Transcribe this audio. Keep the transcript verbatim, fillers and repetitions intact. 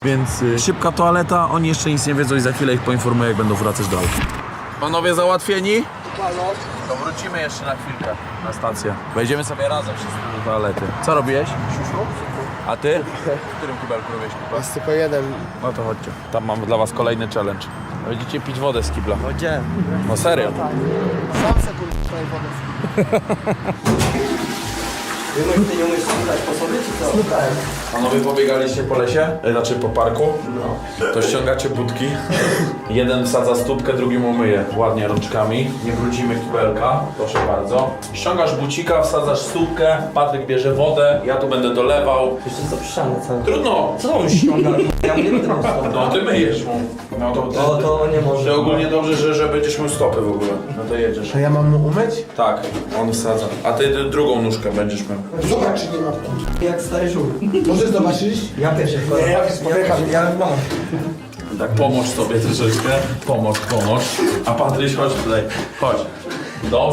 Więc y, szybka toaleta, oni jeszcze nic nie wiedzą i za chwilę ich poinformuję, jak będą wracać dalej. Panowie załatwieni? To wrócimy jeszcze na chwilkę na stację. Wejdziemy sobie razem wszyscy do toalety. Co robiłeś? A ty? W którym kibelku robiłeś kibel? Jest tylko jeden. No to chodźcie. Tam mam dla was kolejny challenge. Będziecie pić wodę z kibla. Gdzie? No serio. Sam se kurwa tutaj wodę. Ty nie umiesz słuchać po sobie, czy co? Słuchałem. Panowie pobiegaliście po lesie? E, Znaczy po parku? No. To ściągacie budki. Jeden wsadza stópkę, drugi mu myje ładnie rączkami. Nie wrócimy kibelka, proszę bardzo. Ściągasz bucika, wsadzasz stópkę, Patryk bierze wodę, ja tu będę dolewał. Jeszcze co przyszane całe. Trudno. Co on ściąga? Ja nie będę miał stopy. No ty myjesz mu. No to, ty, No to nie może. Ty ogólnie dobrze, że, że będziesz miał stopy w ogóle. No to jedziesz. A ja mam mu umyć? Tak, on wsadza. A ty, ty drugą nóżkę będziesz miał. Zobacz, czy nie ma kurwa. Jak stary żółw. Możesz zobaczyć? Ja pierwszy. Nie, ja spotkam, ja mam. Tak, pomóż sobie troszeczkę. Pomóż, pomóż. A Patryś, chodź tutaj. Chodź. Dobrze.